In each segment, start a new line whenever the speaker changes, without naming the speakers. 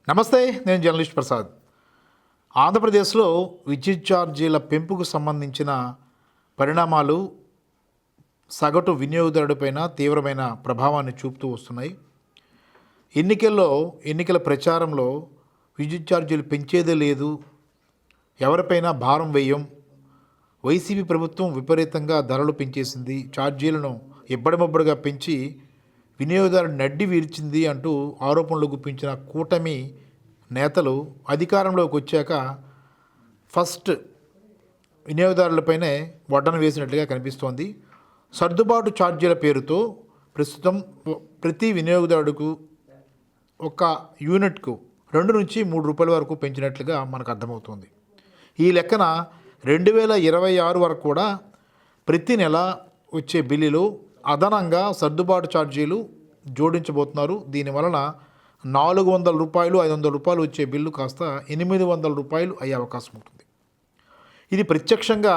నమస్తే, నేను జర్నలిస్ట్ ప్రసాద్. ఆంధ్రప్రదేశ్లో విద్యుత్ ఛార్జీల పెంపుకు సంబంధించిన పరిణామాలు సగటు వినియోగదారుడిపైన తీవ్రమైన ప్రభావాన్ని చూపుతూ వస్తున్నాయి. ఎన్నికల ప్రచారంలో విద్యుత్ ఛార్జీలు పెంచేదే లేదు, ఎవరిపైనా భారం వేయం, వైసీపీ ప్రభుత్వం విపరీతంగా ధరలు పెంచేసింది, ఛార్జీలను ఇబ్బడిముబ్బడిగా పెంచి వినియోగదారుడు నడ్డి వీర్చింది అంటూ ఆరోపణలు గుప్పించిన కూటమి నేతలు అధికారంలోకి వచ్చాక ఫస్ట్ వినియోగదారులపైనే వడ్డన వేసినట్లుగా కనిపిస్తోంది. సర్దుబాటు ఛార్జీల పేరుతో ప్రస్తుతం ప్రతి వినియోగదారుడుకు ఒక యూనిట్కు 2 నుంచి 3 రూపాయల వరకు పెంచినట్లుగా మనకు అర్థమవుతుంది. ఈ లెక్కన 2026 వరకు కూడా ప్రతి నెల వచ్చే బిల్లులో అదనంగా సర్దుబాటు ఛార్జీలు జోడించబోతున్నారు. దీనివలన 400 రూపాయలు 500 రూపాయలు వచ్చే బిల్లు కాస్త 800 రూపాయలు అయ్యే అవకాశం ఉంటుంది. ఇది ప్రత్యక్షంగా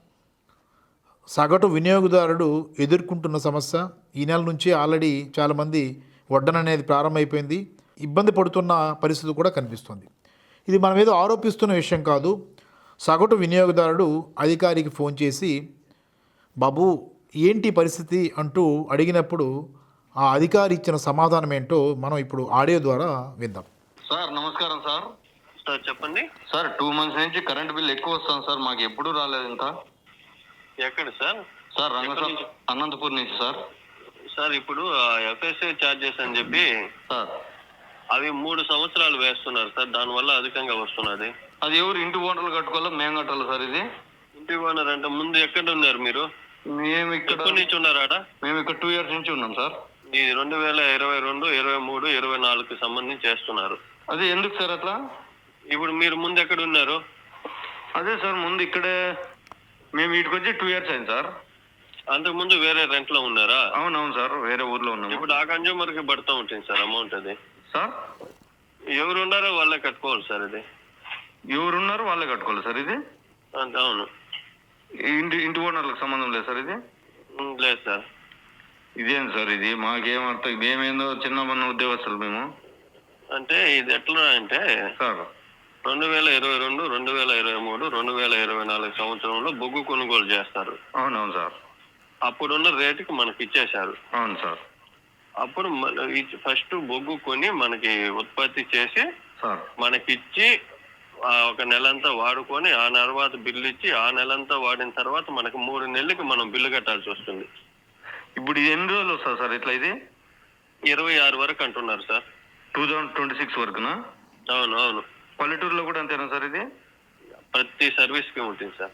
సగటు వినియోగదారుడు ఎదుర్కొంటున్న సమస్య. ఈ నెల నుంచి ఆల్రెడీ చాలామంది వడ్డన అనేది ప్రారంభమైపోయింది, ఇబ్బంది పడుతున్న పరిస్థితి కూడా కనిపిస్తుంది. ఇది మనం ఏదో ఆరోపిస్తున్న విషయం కాదు. సగటు వినియోగదారుడు అధికారికి ఫోన్ చేసి బాబు ఏంటి పరిస్థితి అంటూ అడిగినప్పుడు ఆ అధికారి ఇచ్చిన సమాధానం ఏంటో మనం ఇప్పుడు ఆడియో ద్వారా విందాం.
సార్ నమస్కారం సార్.
సార్ చెప్పండి.
సార్ 2 మంత్స్ నుంచి కరెంట్ బిల్ ఎక్కువ వస్తుంది సార్, మాకు ఎప్పుడూ రాలేదు ఇంత.
ఎక్కడ సార్?
సార్ అనంతపూర్ నుంచి సార్.
సార్ ఇప్పుడు ఎఫ్ఎస్ఏ ఛార్జెస్ అని చెప్పి
సార్
అవి 3 సంవత్సరాలు వేస్తున్నారు సార్, దానివల్ల అధికంగా వస్తున్నది.
అది ఎవరు ఇంటి ఓనర్లు కట్టుకోవాలా మేము కట్టాలి సార్? ఇది
ఇంటి ఓనర్ అంటే ముందు ఎక్కడ ఉన్నారు మీరు?
మేము ఇక్కడ
ఎప్పటి నుంచి ఉన్నారాడ?
మేము ఇక్కడ 2 years నుంచి ఉన్నాం సార్.
ఇది 2022, 23, 24కి సంబంధించి చేస్తున్నారు.
అదే ఎందుకు సార్ అట్లా?
ఇప్పుడు మీరు ముందు ఎక్కడ ఉన్నారు?
అదే సార్ ముందు ఇక్కడే మేము వీటికి వచ్చి 2 years అయింది సార్.
అంతకు ముందు వేరే రెంట్ లో ఉన్నారా?
అవునవును సార్, వేరే ఊర్లో ఉన్నాము.
ఇప్పుడు ఆ కన్జ్యూమర్ కి పడుతూ ఉంటుంది సార్ అమౌంట్. అది
సార్
ఎవరు ఉన్నారో వాళ్ళే కట్టుకోవాలి సార్. ఇది
ఎవరున్నారు వాళ్ళే కట్టుకోవాలి సార్. ఇది
అవును,
ఇంటి ఓనర్లకు సంబంధం లేదు సార్. ఇది
లేదు సార్.
ఇదేం సార్? ఇది మాకేమర్థం, మేమేందో చిన్న ఉద్యోగస్తులు మేము.
అంటే ఇది ఎట్లా అంటే
సార్
2022, 2023, 2024 సంవత్సరంలో బొగ్గు కొనుగోలు చేస్తారు.
అవునవును సార్.
అప్పుడున్న రేటుకి మనకి ఇచ్చేశారు.
అవును సార్.
అప్పుడు ఫస్ట్ బొగ్గు కొని మనకి ఉత్పత్తి చేసి
సార్
మనకిచ్చి ఒక నెలంతా వాడుకొని ఆ తర్వాత బిల్లు ఇచ్చి ఆ నెలంతా వాడిన తర్వాత మనకి 3 నెలలకి మనం బిల్లు కట్టాల్సి వస్తుంది.
ఇప్పుడు ఇది ఎన్ని రోజులు వస్తుంది సార్ ఇట్లా? ఇది
26 వరకు అంటున్నారు సార్.
2026 వరకునా?
అవును అవును.
పల్లెటూరులో కూడా అంతేనా సార్? ఇది
ప్రతి సర్వీస్ కి ఉంటుంది sir.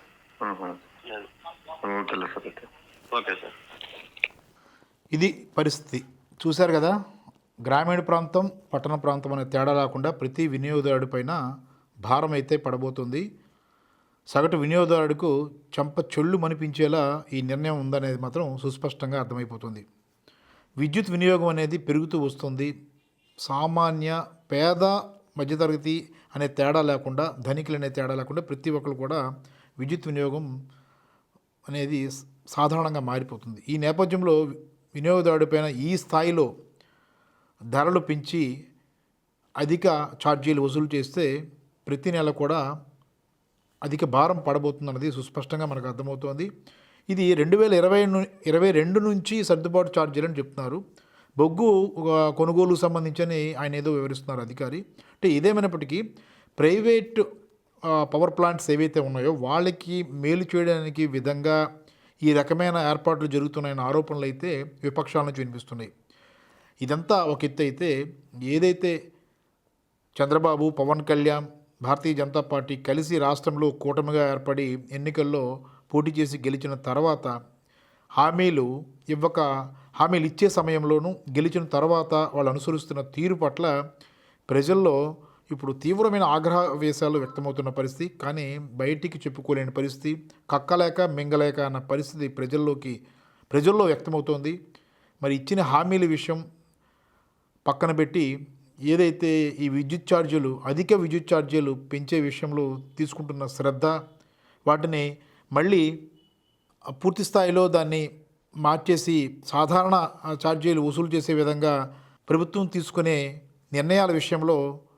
Okay sir.
Okay sir.
ఇది పరిస్థితి. చూశారు కదా, గ్రామీణ ప్రాంతం పట్టణ ప్రాంతం అనే తేడా లేకుండా ప్రతి వినియోగదారుడి పైన భారం అయితే పడబోతుంది. సగటు వినియోగదారుడికు చెంప చెళ్ళు మనిపించేలా ఈ నిర్ణయం ఉందనేది మాత్రం సుస్పష్టంగా అర్థమైపోతుంది. విద్యుత్ వినియోగం అనేది పెరుగుతూ వస్తుంది. సామాన్య పేద మధ్యతరగతి అనే తేడా లేకుండా, ధనికులు అనే తేడా లేకుండా ప్రతి ఒక్కరు కూడా విద్యుత్ వినియోగం అనేది సాధారణంగా మారిపోతుంది. ఈ నేపథ్యంలో వినియోగదారుడిపైన ఈ స్థాయిలో ధరలు పెంచి అధిక ఛార్జీలు వసూలు చేస్తే ప్రతి నెల కూడా అధిక భారం పడబోతుందన్నది సుస్పష్టంగా మనకు అర్థమవుతోంది. ఇది 2022 నుంచి సర్దుబాటు ఛార్జీలు అని చెప్తున్నారు. బొగ్గు కొనుగోలు సంబంధించి ఆయన ఏదో వివరిస్తున్నారు అధికారి. అంటే ఇదేమైనప్పటికీ ప్రైవేట్ పవర్ ప్లాంట్స్ ఏవైతే ఉన్నాయో వాళ్ళకి మేలు చేయడానికి విధంగా ఈ రకమైన ఏర్పాట్లు జరుగుతున్నాయన్న ఆరోపణలు అయితే విపక్షాల నుంచి వినిపిస్తున్నాయి. ఇదంతా ఒక ఎత్తు అయితే, ఏదైతే చంద్రబాబు, పవన్ కళ్యాణ్, భారతీయ జనతా పార్టీ కలిసి రాష్ట్రంలో కూటమిగా ఏర్పడి ఎన్నికల్లో పోటీ చేసి గెలిచిన తర్వాత హామీలు ఇచ్చే సమయంలోనూ గెలిచిన తర్వాత వాళ్ళు అనుసరిస్తున్న తీరు పట్ల ప్రజల్లో ఇప్పుడు తీవ్రమైన ఆగ్రహవేశాలు వ్యక్తమవుతున్న పరిస్థితి. కానీ బయటికి చెప్పుకోలేని పరిస్థితి, కక్కలేక మింగలేక అన్న పరిస్థితి ప్రజల్లో వ్యక్తమవుతోంది. మరి ఇచ్చిన హామీల విషయం పక్కన పెట్టి ఏదైతే ఈ అధిక విద్యుత్ ఛార్జీలు పెంచే విషయంలో తీసుకుంటున్న శ్రద్ధ, వాటిని మళ్ళీ పూర్తి స్థాయిలో దాన్ని మార్చేసి సాధారణ ఛార్జీలు వసూలు చేసే విధంగా ప్రభుత్వం తీసుకునే నిర్ణయాల విషయంలో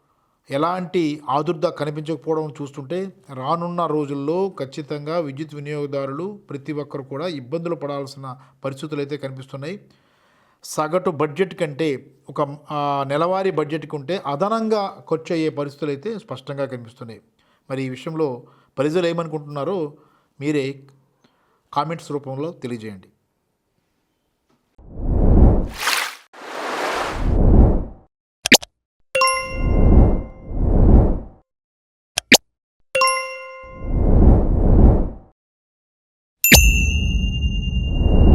ఎలాంటి ఆదుర్ద కనిపించకపోవడం చూస్తుంటే రానున్న రోజుల్లో ఖచ్చితంగా విద్యుత్ వినియోగదారులు ప్రతి ఒక్కరు కూడా ఇబ్బందులు పడాల్సిన పరిస్థితులు అయితే కనిపిస్తున్నాయి. సగటు బడ్జెట్ కంటే ఒక నెలవారీ బడ్జెట్కి ఉంటే అదనంగా ఖర్చు అయ్యే పరిస్థితులు అయితే స్పష్టంగా కనిపిస్తున్నాయి. మరి ఈ విషయంలో ప్రజలు ఏమనుకుంటున్నారో మీరే కామెంట్స్ రూపంలో తెలియజేయండి.